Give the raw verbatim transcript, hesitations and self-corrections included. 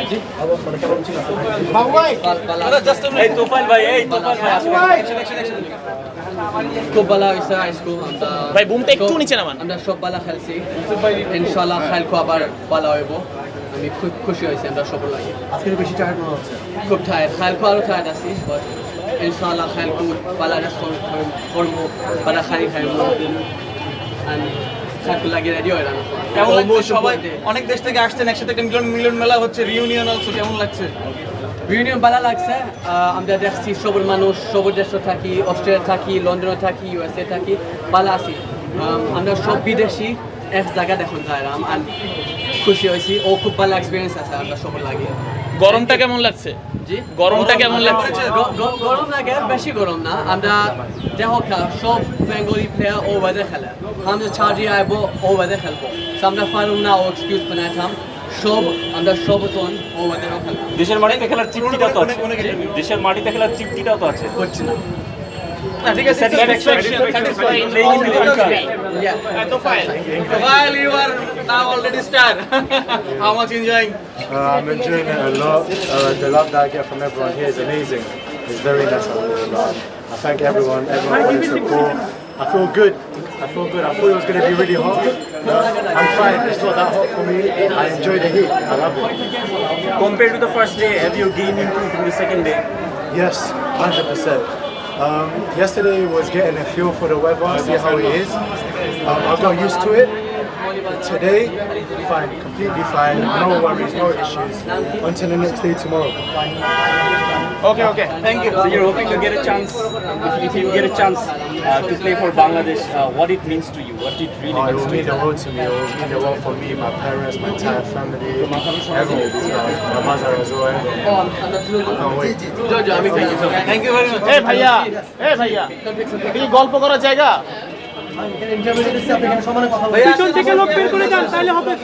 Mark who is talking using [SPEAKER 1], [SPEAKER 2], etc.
[SPEAKER 1] খুব ভালো হয়েছে স্কুল
[SPEAKER 2] ভাই বুমটা একটু নিচে নামান।
[SPEAKER 1] আমরা সব ভালো খেলছি ইনশাআল্লাহ খেলকো আবার ভালো হইব। আমি খুব খুশি হয়েছি আমরা সফল লাগে।
[SPEAKER 3] আজকে বেশি টায়ার্ড মনে হচ্ছে।
[SPEAKER 1] খুব টায়ার্ড খেলকো আরও টায়ার্ড আছি বাট ইনশাআল্লাহ খেলকো ভালো রেসপন্স করবো ভালো খাই খাইব খেলকো লাগে রেডি হয় না।
[SPEAKER 4] কেমন লাগছে সবাই অনেক দেশ থেকে আসছেন একসাথে একটা মিলন মিলন মেলা হচ্ছে রিউনিয়ন অলসো কেমন লাগছে?
[SPEAKER 1] ইউনিয়ন ভালো লাগছে। আমরা দেখছি সবর মানুষ সবর দেশে থাকি অস্ট্রেলিয়া থাকি লন্ডনে থাকি ইউএসএ থাকি ভালো আছি। আমরা সব বিদেশি এক জায়গা দেখুন যাইলাম আর খুশি হয়েছি ও খুব ভালো এক্সপিরিয়েন্স আছে আমরা সবর লাগে।
[SPEAKER 2] গরমটা কেমন লাগছে?
[SPEAKER 1] জি
[SPEAKER 2] গরমটা কেমন লাগছে?
[SPEAKER 1] গরম লাগে বেশি গরম না। আমরা দেখো সব বেঙ্গলি প্লেয়ার ও ওয়েদে খেলে আমরা ছাড়ি আইব ও ওয়েদে খেলবো আমরা পারুম না ও এক্সকিউজ বানাইতাম সব আমরা সবজন ও ওয়েদেরও খেলবো।
[SPEAKER 5] দেশের মাটিতে খেলার তৃপ্তিটাও তো আছে। দেশের মাটিতে খেলার তৃপ্তিটাও তো আছে।
[SPEAKER 1] হচ্ছে না
[SPEAKER 4] ঠিক আছে while you are now already star how much enjoying?
[SPEAKER 3] Uh, I'm enjoying it a lot. Uh, the love that I get from everyone here is amazing. It's very nice. I thank everyone, everyone for the support. I feel good. I feel good. I thought it was going to be really hot. No, I'm fine. It's not that hot for me. I enjoy the heat. I love it.
[SPEAKER 5] Compared to the first day, have you gained improved from the second day?
[SPEAKER 3] Yes, one hundred percent. Um, yesterday was getting a feel for the weather, see how it is. Um, I got used to it. Today, fine, completely fine. No worries, no issues. Until the next day tomorrow.
[SPEAKER 5] Okay, okay. Thank you. So you're hoping to get a chance, if, if you get a chance uh, to play for Bangladesh, uh, what it means to you, what it really
[SPEAKER 3] Oh, it
[SPEAKER 5] means
[SPEAKER 3] will
[SPEAKER 5] to
[SPEAKER 3] mean
[SPEAKER 5] you.
[SPEAKER 3] the world to me. It will mean the world for me, my parents, my entire family, everyone. Uh, my mother as well. Everyone. I can't wait.
[SPEAKER 1] আমি thank you
[SPEAKER 4] Thank you very much.
[SPEAKER 2] এ ভাইয়া এ ভাইয়া এই গল্প করার জায়গা
[SPEAKER 3] interview দিচ্ছি, আপনি এখানে সমানে কথা বলবেন।
[SPEAKER 4] পিছন থেকে লোক বের করে যান তাহলে হবে।